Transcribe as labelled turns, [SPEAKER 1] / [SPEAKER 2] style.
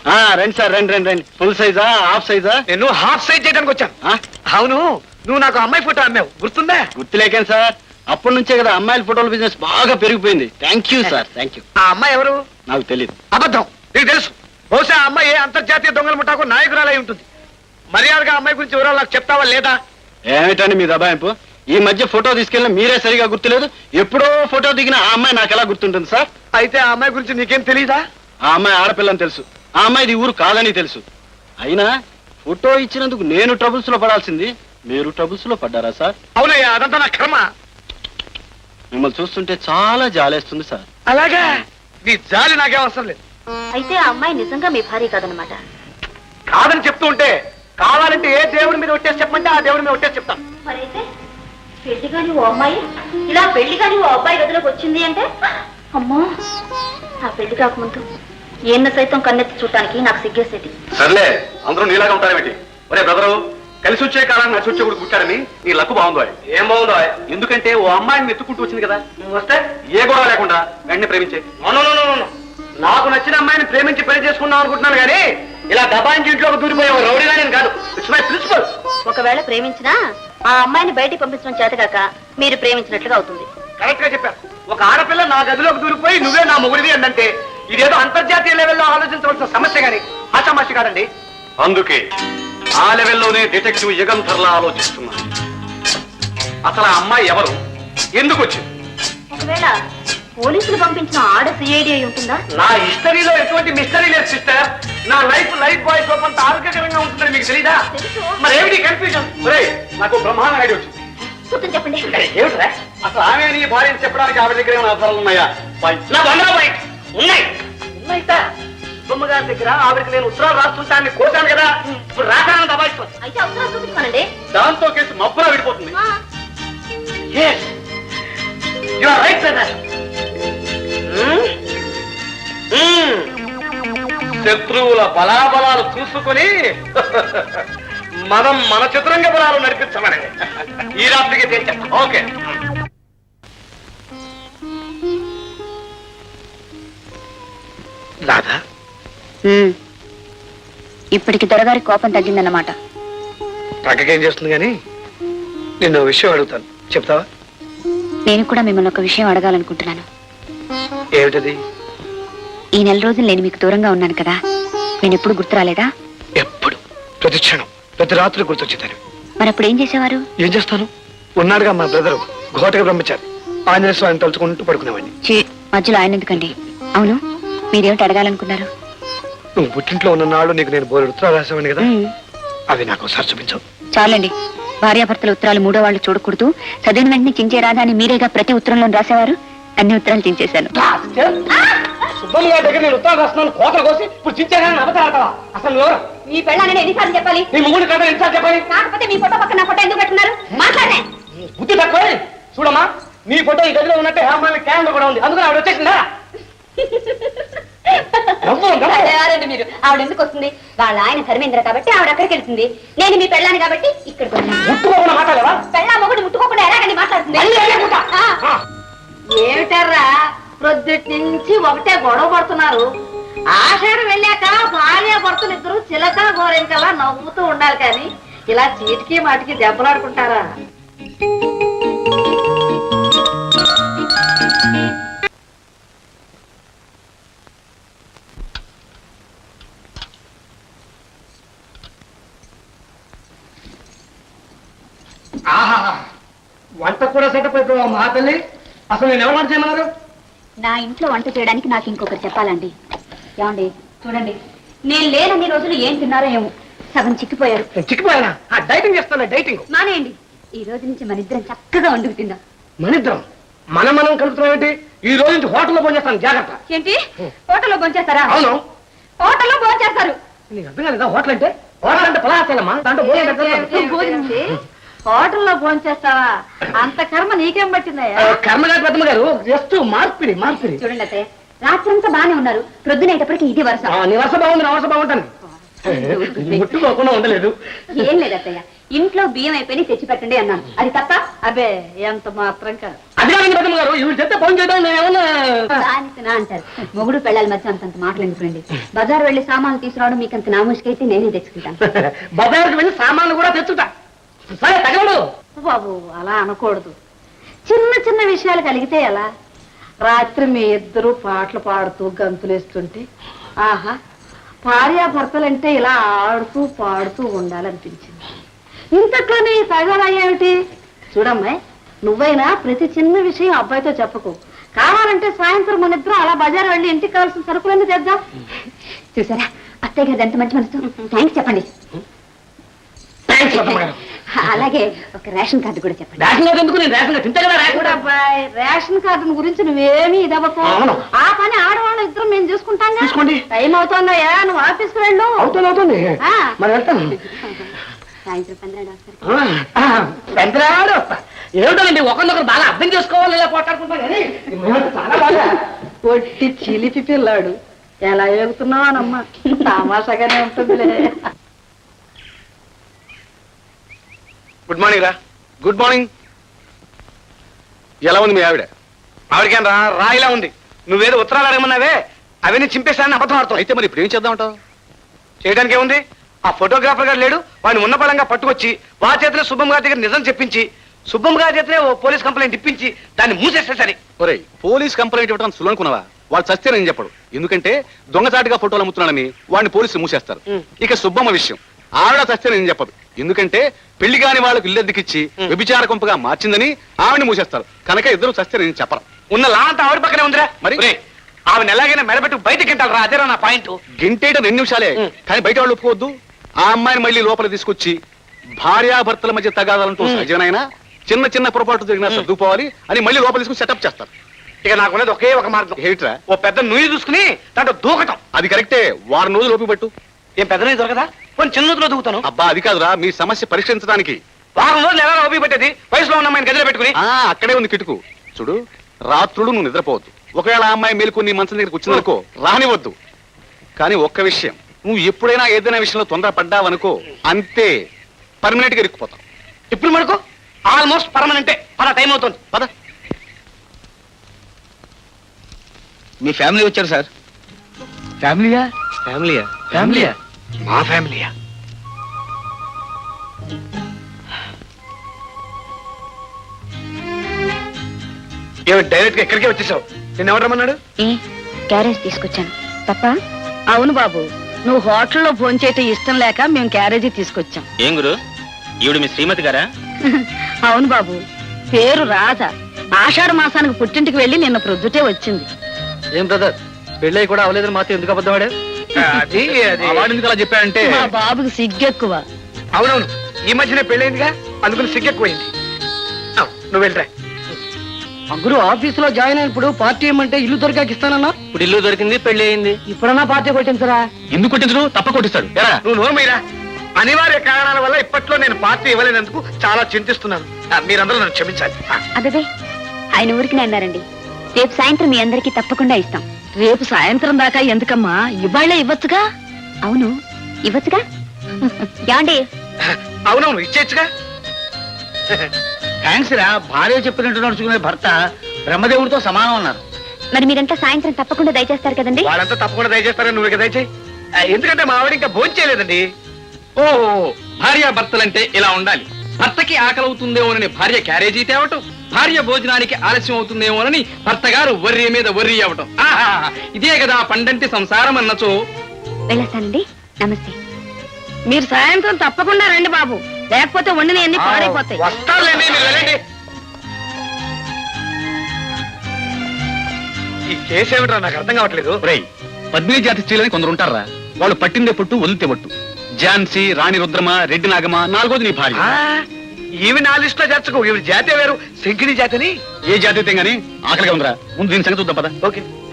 [SPEAKER 1] రండి సార్, రండి రండి రండి. ఫుల్ సైజా హాఫ్ సైజా?
[SPEAKER 2] నేను హాఫ్ సైజ్ చేయడానికి వచ్చాను. అవును, నువ్వు నాకు అమ్మాయి ఫోటో అమ్మావు, గుర్తుందా?
[SPEAKER 1] గుర్తులేకేం సార్, అప్పటి నుంచే కదా అమ్మాయిల ఫోటోల బిజినెస్ బాగా పెరిగిపోయింది. Thank you sir, thank you.
[SPEAKER 2] ఆ అమ్మాయి ఎవరు?
[SPEAKER 1] నాకు తెలియదు.
[SPEAKER 2] అబద్ధం, నీకు తెలుసు. బహుశా ఆ అమ్మాయి అంతర్జాతీయ దొంగల ముఠాకు నాయకురాలై ఉంటుంది. మర్యాదగా అమ్మాయి గురించి వివరాలు నాకు చెప్తావా లేదా?
[SPEAKER 1] ఏమిటండి మీ దబాయింపు? ఈ మధ్య ఫోటో తీసుకెళ్ళిన మీరే సరిగా గుర్తులేదు. ఎప్పుడో ఫోటో దిగిన ఆ అమ్మాయి నాకు ఎలా గుర్తుంటుంది సార్?
[SPEAKER 2] అయితే ఆ అమ్మాయి గురించి నీకేం తెలీదా?
[SPEAKER 1] ఆ అమ్మాయి ఆడపిల్లని తెలుసు, ఆ అమ్మాయిది ఊరు కాదని తెలుసు. అయినా ఫోటో ఇచ్చినందుకు నేను ట్రబుల్స్ లో పడాల్సింది, మీరు ట్రబుల్స్ లో పడ్డారా సార్?
[SPEAKER 2] అవునయ్యా, అదంతా నా కర్మ.
[SPEAKER 1] మిమ్మల్ని చూస్తుంటే చాలా జాలేస్తుంది సార్.
[SPEAKER 2] అలాగా? నీ జాలి నాకేం అవసరం లేదు.
[SPEAKER 3] అయితే ఆ అమ్మాయి నిజంగా మీ భార్య కాదనమాట?
[SPEAKER 2] కాదని చెప్తూ ఉంటే కావాలంటే ఏ దేవుడి మీద ఒట్టేసి చెప్పమంటే ఆ దేవుడి మీద ఒట్టేసి చెప్తాను.
[SPEAKER 3] మరైతే పెళ్లి కాని ఓ అమ్మాయి ఇలా పెళ్లి కాని ఓ అబ్బాయి గదిలోకి వచ్చింది అంటే, అమ్మో, ఆ పెళ్లి కాకముందు ఏన్న సైతం కన్నెత్తి చూడటానికి నాకు సిగ్గేసేది.
[SPEAKER 4] సర్లే, అందరూ నీలాగా ఉంటారేమిటి? ఒరే బ్రదరు, కలిసి వచ్చే కాలాన్ని నడిచి వచ్చే కూడా పుట్టాడని నీ లక్కు బాగుందో. ఏం బాగుందో? ఎందుకంటే ఓ అమ్మాయిని ఎత్తుకుంటూ వచ్చింది కదా, నువ్వు వస్తే ఏ గొడవ లేకుండా వెంటనే ప్రేమించే.
[SPEAKER 2] నాకు నచ్చిన అమ్మాయిని ప్రేమించి పెళ్లి చేసుకున్నాం అనుకుంటున్నాను కానీ ఇలా దబాయించి ఇంట్లోకి దూరిపోయే రౌడీగా నేను కాదు. It's my principle.
[SPEAKER 3] ఒకవేళ ప్రేమించినా ఆ అమ్మాయిని బయటికి పంపించడం చేతగాక మీరు ప్రేమించినట్లుగా అవుతుంది.
[SPEAKER 2] కరెక్ట్ గా చెప్పారు. ఒక ఆడపిల్ల నా గదిలోకి దూరిపోయి నువ్వే నా మొగుడివి అందంటే ఇదేదో అంతర్జాతీయ లెవెల్లో ఆలోచించవలసిన సమస్య గాని ఆషామాషి కాదండి.
[SPEAKER 4] అందుకే ఆ లెవెల్లోనే డిటెక్టివ్ యుగంధర్లా ఆలోచిస్తున్నాను. అసలు ఆ అమ్మాయి ఎవరు, ఎందుకు వచ్చింది?
[SPEAKER 3] ఒకవేళ పోలీసులు పంపించిన ఆడ సిఐడి అయి ఉంటుందా?
[SPEAKER 2] నా హిస్టరీలో ఎటువంటి మిస్టరీ లేదు సిస్టర్. నా లైఫ్ బాయ్ కొంత ఆరోగ్యకరంగా ఉంటుందని మీకు తెలీదా? మరి ఏమిటి కన్ఫ్యూజన్? నాకు బ్రహ్మాండ ఐడియా వచ్చింది.
[SPEAKER 3] చెప్పండి.
[SPEAKER 2] ఏమిట్రా? అసలు ఆమె నీ భార్యని చెప్పడానికి ఆవిడ దగ్గర ఏమైనా ఆధారాలు ఉన్నాయా? నా బంధువు పాయింట్ ఉన్నాయి. ఉన్నాయితా బొమ్మగారి దగ్గర ఆవిడకి నేను ఉత్తరాలు రాస్తుంటాన్ని కోసాను కదా, ఇప్పుడు రాసాను దబాయిస్తాను.
[SPEAKER 3] అయితే అవసరం చూపించుకోనండి.
[SPEAKER 4] దాంతో కేసు మబ్బులా విడిపోతుంది.
[SPEAKER 2] You are right brother. శత్రువుల బలాబలాలు చూసుకుని మనం మన చతురంగ బలాలు నడిపించమని ఈ రాత్రికి తెచ్చాం. ఓకే. రాధా,
[SPEAKER 3] ఇప్పటికి దొరగారి కోపం తగ్గిందన్నమాట.
[SPEAKER 2] పక్కకేం చేస్తుంది కానీ నిన్ను విషయం అడుగుతాను, చెప్తావా?
[SPEAKER 3] నేను కూడా మిమ్మల్ని ఒక విషయం అడగాలనుకుంటున్నాను.
[SPEAKER 2] ఏమిటది?
[SPEAKER 3] ఈ నెల రోజులు నేను మీకు దూరంగా ఉన్నాను కదా, నేను ఎప్పుడు గుర్తు రాలేదా?
[SPEAKER 2] ఎప్పుడు, ప్రతి క్షణం, ప్రతి రాత్రి గుర్తొచ్చేదాన్ని.
[SPEAKER 3] మరి అప్పుడు ఏం చేసేవారు?
[SPEAKER 2] ఏం చేస్తాను, ఉన్నాడుగా మా బ్రదరు ఘోటగా బ్రహ్మచారి, ఆంజనేయ స్వామిని తలుచుకుంటూ పడుకునేవాడిని.
[SPEAKER 3] మధ్యలో ఆయన ఎందుకండి? అవును, మీరేమిటి అడగాలనుకున్నారు?
[SPEAKER 2] నువ్వు పుట్టింట్లో ఉన్న నాడు నీకు నేను బోరు ఉత్తరాలు రాసేవాడిని కదా, అవి నాకు ఒకసారి చూపించవు.
[SPEAKER 3] చాలండి, భార్యాభర్తల ఉత్తరాలు మూడో వాళ్ళు చూడకూడదు, చదివిన వెంటనే చించేరాదా అని మీరేగా ప్రతి ఉత్తరంలో రాసేవారు. అన్ని ఉత్తరాలు చించేశాను.
[SPEAKER 2] సుబ్బమ్మ గారి దగ్గర నేను ఉత్తరాలు రాస్తున్నాను, కోతలు కోసి ఇప్పుడు చించేసాను. అబద్ధాలు అసలు
[SPEAKER 3] మీ పెళ్ళాన్ని ఎన్నిసార్లు చెప్పాలి?
[SPEAKER 2] నీ ముగ్గురు కథ ఎన్నిసార్లు చెప్పాలి?
[SPEAKER 3] కాకపోతే మీ ఫోటో పక్కన నా ఫోటో ఎందుకు పెట్టున్నారు? మాట్లాడే
[SPEAKER 2] బుద్ధి తక్కువ. చూడమ్మా, నీ ఫోటో ఈ గదిలో ఉన్నట్టే హేమాలి క్యాలెండర్ కూడా ఉంది, అందుకని ఆవిడ వచ్చేసిందా?
[SPEAKER 3] మీరు ఆవిడ ఎందుకు వస్తుంది? వాళ్ళ ఆయన ధర్మేంద్ర కాబట్టి ఆవిడ అక్కడికి వెళ్తుంది. నేను మీ పెళ్ళాన్ని కాబట్టి ఇక్కడికి
[SPEAKER 2] ముట్టుకోకుండా మాట్లాడవా?
[SPEAKER 3] పెళ్ళా మొగుడు ముట్టుకోకుండా ఎలాగండి మాట్లాడుతుంది? ఏమిటారా ప్రొద్దుటి నుంచి ఒకటే గొడవ పడుతున్నారు. ఆషాఢం వెళ్ళాక భార్య భర్తలు ఇద్దరు చిలక గోరెంకలా నవ్వుతూ ఉండాలి కానీ ఇలా చీటికి మాటికి దెబ్బలాడుకుంటారా?
[SPEAKER 2] వంట కూడా సెటప్ అయిపోయావు మా తల్లి. అసలు నేను ఎవరు వంట చేయమన్నారు?
[SPEAKER 3] నా ఇంట్లో వంట చేయడానికి నాకు ఇంకొకరు చెప్పాలండి. ఏమండి చూడండి, నేను లేనన్ని రోజులు ఏం తిన్నారో ఏమో, సగం చిక్కిపోయారు.
[SPEAKER 2] చిక్కిపోయానా? డైటింగ్ చేస్తాను. డైటింగ్
[SPEAKER 3] మానేయండి. ఈ రోజు నుంచి మన ఇద్దరం చక్కగా వండుకు తిందాం.
[SPEAKER 2] మనిద్దరం మనం కలుపుతున్నాం ఏంటి? ఈ రోజు నుంచి హోటల్లో భోంచేస్తాను, జాగ్రత్త.
[SPEAKER 3] ఏంటి, హోటల్లో భోంచేస్తారా?
[SPEAKER 2] అవును,
[SPEAKER 3] హోటల్లో భోంచేస్తారు.
[SPEAKER 2] నీకు అర్థం కాలేదా? హోటల్ అంటే పలాసేనమ్మా, దాంట్లో
[SPEAKER 3] హోటల్లో భోంచేస్తావా? అంత కర్మ నీకేం పట్టిందయ్యా?
[SPEAKER 2] కర్మగారి పెద్దమ్మ గారు జస్ట్ మార్పిడి.
[SPEAKER 3] చూడండి అత్తయ్య, రాత్రంతా బానే ఉన్నారు, ప్రొద్దునేటప్పటికి ఇది వరుస.
[SPEAKER 2] నీ వరుస బాగుంది, నా వరుస బాగుంటాను. ముట్టుకోకుండా ఉండలేదు.
[SPEAKER 3] ఏం లేదు అత్తయ్య, ఇంట్లో బియ్యం అయిపోయి తెచ్చి పెట్టండి అన్నాను, అది తప్ప? అబ్బే ఎంత మాత్రం కాదు.
[SPEAKER 2] అది కాదండి పెద్దమ్మ గారు, ఇవి చెప్తే ఫోన్ చేయడం నేనేమన్నా
[SPEAKER 5] దానికినా అంటారు. మొగుడు పెళ్ళాలి మధ్య అంతంత మాటలు ఎందుకండి? బజార్ వెళ్ళి సామాన్లు తీసుకురావడం మీకు అంత నాముష్కైతే నేనే తెచ్చుకుంటాను.
[SPEAKER 2] బజార్కి వెళ్ళి సామాన్లు కూడా తెచ్చుతా. సరే తగలడు
[SPEAKER 3] బాబు అలా అనకూడదు. చిన్న చిన్న విషయాలు కలిగితే ఎలా? రాత్రి మీ ఇద్దరు పాటలు పాడుతూ గంతులేస్తుంటే ఆహా భార్యాభర్తలంటే ఇలా ఆడుతూ పాడుతూ ఉండాలనిపించింది. ఇంతట్లోనే తగలయ్యేమిటి? చూడమ్మాయి, నువ్వైనా ప్రతి చిన్న విషయం అబ్బాయితో చెప్పకు. కావాలంటే సాయంత్రం మన ఇద్దరం అలా బజార్ వెళ్ళి ఇంటికి కావాల్సిన సరుకులన్నీ తెద్దాం.
[SPEAKER 5] చూసారా అత్తయ్య గారు ఎంత మంచి మనసు. థ్యాంక్స్ చెప్పండి. అలాగే ఒక రేషన్ కార్డు కూడా చెప్పండి.
[SPEAKER 2] రేషన్ కార్డు ఎందుకు? నేను రేషన్ కార్డు తింటే కదా రేషన్ కార్డు.
[SPEAKER 3] అబ్బాయి రేషన్ కార్డు గురించి నువ్వేమీ ఇదవ్వకు.
[SPEAKER 2] అవును.
[SPEAKER 3] ఆ పని ఆడవాళ్ళు ఇద్దరం మేము చూసుకుంటాం.
[SPEAKER 2] చూసుకోండి.
[SPEAKER 3] టైం అవుతుందయ్యా, నువ్వు ఆఫీస్కి వెళ్ళు.
[SPEAKER 2] అవుతుంది
[SPEAKER 3] ఆ.
[SPEAKER 2] మరి వెళ్తాను.
[SPEAKER 5] సాయంత్రం 12 వస్తారు.
[SPEAKER 2] పెద్దరాడు వస్తా. ఏమిటోనండి ఒకరినొకరు బాగా అర్థం చేసుకోవాలి, ఇలా పోట్లాడుకుంటాం కానీ మేమంతా చాలా బాగా.
[SPEAKER 3] ఒట్టి చిలిపి పిల్లాడు, ఎలా ఎగుతున్నావానమ్మా? తమాషాగానే ఉంటుందిలే.
[SPEAKER 4] గుడ్ మార్నింగ్ రా. Good morning. ఎలా ఉంది మీ ఆవిడ? ఆవిడకేం రా రాయిలా ఉంది. నువ్వేదో ఉత్తరాలు అడగమన్నావే, అవన్నీ చింపేశానని అబద్ధం ఆడుతావు. అయితే మరి ఇప్పుడు ఏం చేద్దామంటావు? చేయడానికి ఏముంది? ఆ ఫోటోగ్రాఫర్ గారు లేడు, వాడిని ఉన్న బలంగా పట్టుకొచ్చి వారి చేతిలో సుబ్బమ్మ గారి దగ్గర నిజం చెప్పించి సుబ్బమ్మ గారి చేతిలో ఓ పోలీస్ కంప్లైంట్ ఇప్పించి దాన్ని మూసేస్తే సరే. ఒరేయ్, పోలీస్ కంప్లైంట్ ఇవ్వడం సులనుకున్నావా? వాళ్ళు చస్తే నేను చెప్పడు. ఎందుకంటే దొంగచాటుగా ఫోటోలు అమ్ముతున్నాడని వాడిని పోలీసులు మూసేస్తారు. ఇక సుబ్బమ్మ విషయం, ఆవిడ చస్తే నేను చెప్పదు. ఎందుకంటే పెళ్లి కాని వాళ్ళకు ఇల్లెద్దుకిచ్చి వ్యభిచార కొంపగా మార్చిందని ఆవిడని మూసేస్తారు. కనుక ఇద్దరు చస్తే నేను చెప్పరు. ఉన్న లా అంతా ఆవిడ పక్కనే ఉందిరా. మరి ఆవిడ ఎలాగైనా మెడబెట్టు బయటకి గింటాలరా. అదేరా నా పాయింట్. గింటేట 2 నిమిషాలే, కానీ బయట వాళ్ళు ఒప్పుకోవద్దు. ఆ అమ్మాయిని మళ్ళీ లోపల తీసుకొచ్చి భార్యాభర్తల మధ్య తగాదాలంటూ సహజమైనా చిన్న చిన్న పొరపాటు జరిగినా సర్దుకోవాలి అని మళ్ళీ లోపల తీసుకుని సెటప్ చేస్తారు. ఇక నాకున్నది ఒకే ఒక మార్గం. ఏమిట్రా? ఓ పెద్ద నుయ్యి చూసుకుని దాంట్లో దూకటం. అది కరెక్టే. 1 రోజులు ఓపి పెట్టు. ఏం పెద్ద నుయ్యి దొరకదా? కొన్ని చిన్న నూతులో దూకుతాను. అబ్బా అది కాదురా, మీ సమస్య పరిష్కరించడానికి 1 రోజులు ఎలా ఓపి పెట్టేది? వయసులో ఉన్న అమ్మాయిని గదిలో పెట్టుకుని. అక్కడే ఉంది కిటుకు. చూడు, రాత్రులు నువ్వు నిద్రపోవద్దు. ఒకవేళ ఆ అమ్మాయి మేలుకొని నీ మంచం దగ్గరికి వచ్చిందనుకో, రానివద్దు. కానీ ఒక్క విషయం, నువ్వు ఎప్పుడైనా ఏదైనా విషయంలో తొందరపడ్డావనుకో, అంతే, పర్మనెంట్ గా ఇరుక్కుపోతావు. ఇప్పుడు మనకు ఆల్మోస్ట్ పర్మనెంటే. పద, టైం అవుతుంది. పద.
[SPEAKER 1] మీ ఫ్యామిలీ వచ్చారు సార్.
[SPEAKER 2] ఫ్యామిలీయా?
[SPEAKER 1] ఫ్యామిలీయా?
[SPEAKER 2] ఫ్యామిలీయా?
[SPEAKER 4] మా ఫ్యామిలీయా? ఏమి డైరెక్ట్ గా ఎక్కడికే వచ్చేసావు? నేను ఎవరు రమ్మన్నాడు?
[SPEAKER 5] క్యారేజ్ తీసుకొచ్చాను తప్ప.
[SPEAKER 3] అవును బాబు, నువ్వు హోటల్లో భోంచేయటం ఇష్టం లేక మేము క్యారేజీ తీసుకొచ్చాం.
[SPEAKER 1] ఏం గురు, ఈవిడ మీ శ్రీమతి గారా?
[SPEAKER 3] అవును బాబు, పేరు రాధ. ఆషాఢ మాసానికి పుట్టింటికి వెళ్ళి నిన్న ప్రొద్దుటే వచ్చింది.
[SPEAKER 2] ఏం బ్రదర్, పెళ్ళై కూడా అవలేదని మాత్రం ఎందుకు అబద్ధం ఆడావు?
[SPEAKER 4] అది
[SPEAKER 1] వాడు ఎందుకు అలా చెప్పాడంటే,
[SPEAKER 3] మా బాబుకి సిగ్గెక్కువ.
[SPEAKER 4] అవునవును, ఈ మధ్యనే పెళ్ళైందిగా, అందుకని సిగ్గెక్కువైంది. నువ్వు వెళ్ళరా.
[SPEAKER 2] గురు ఆఫీస్ లో జాయిన్ అయినప్పుడు పార్టీ ఏమంటే ఇల్లు దొరికాక ఇస్తానన్నా.
[SPEAKER 1] ఇప్పుడు ఇల్లు దొరికింది, పెళ్లి అయింది.
[SPEAKER 2] ఇప్పుడన్నా పార్టీ కొట్టించరా?
[SPEAKER 1] ఎందుకు కొట్టించడు? తప్ప కొట్టిస్తాడు.
[SPEAKER 4] నువ్వు నోరు మీరా. అనివార్య కారణాల వల్ల ఇప్పట్లో నేను పార్టీ ఇవ్వలేనందుకు చాలా చింతిస్తున్నాను. మీరందరూ నన్ను క్షమించాలి.
[SPEAKER 5] అదే ఆయన ఊరికి అన్నారండి. రేపు సాయంత్రం మీ అందరికీ తప్పకుండా ఇస్తాం.
[SPEAKER 3] రేపు సాయంత్రం దాకా ఎందుకమ్మా, ఇవాళ్ళే ఇవ్వచ్చుగా.
[SPEAKER 5] అవును ఇవ్వచ్చుగా. యాండి
[SPEAKER 4] అవునవును, ఇచ్చేచ్చుగా.
[SPEAKER 2] థ్యాంక్స్ రా. భార్య చెప్పినట్టు నడుచుకునే భర్త బ్రహ్మదేవుడితో సమానం అన్నారు.
[SPEAKER 5] మరి మీరంతా సాయంత్రం తప్పకుండా దయచేస్తారు కదండి?
[SPEAKER 4] వాళ్ళంతా తప్పకుండా దయచేస్తారని నువ్వు ఇక దయచేయి. ఎందుకంటే మా ఆవిడ ఇంకా భోజనం చేయలేదండి.
[SPEAKER 6] ఓహో, భార్యాభర్తలంటే ఇలా ఉండాలి. భర్తకి ఆకలవుతుందేమోనని భార్య క్యారేజీ తేవటం, భార్య భోజనానికి ఆలస్యం అవుతుందేమోనని భర్త గారు వర్రీ మీద వర్రీ అవ్వటం. ఆహా, ఇదే కదా పండంటి సంసారం అన్నచో.
[SPEAKER 5] వెళ్ళొస్తానండి. నమస్తే.
[SPEAKER 3] మీరు సాయంత్రం తప్పకుండా రండి బాబు, లేకపోతే వండిన అన్ని పాడైపోతాయి.
[SPEAKER 4] వస్తారులేండి, మీరు వెళ్ళండి. ఈ కేసు ఏమిట్రా నాకు అర్థం కావట్లేదు.
[SPEAKER 1] పద్మిని జాతి స్త్రీలని కొందరు ఉంటారా, వాళ్ళు పట్టిందే పట్టు వదిలితే పట్టు. ఝాన్సీ, రాణి రుద్రమ, రెడ్డి నాగమ, 4వది నీ భార్య.
[SPEAKER 4] ఈవి నా లిస్ట్ లో చేర్చుకో. ఈవి జాతే వేరు, శంకిని జాతని.
[SPEAKER 1] ఏ జాతి అయితే గానీ ఆకలిగా ఉందిరా. ముందు దీని సంగతి చూద్దాం పద.
[SPEAKER 4] ఓకే.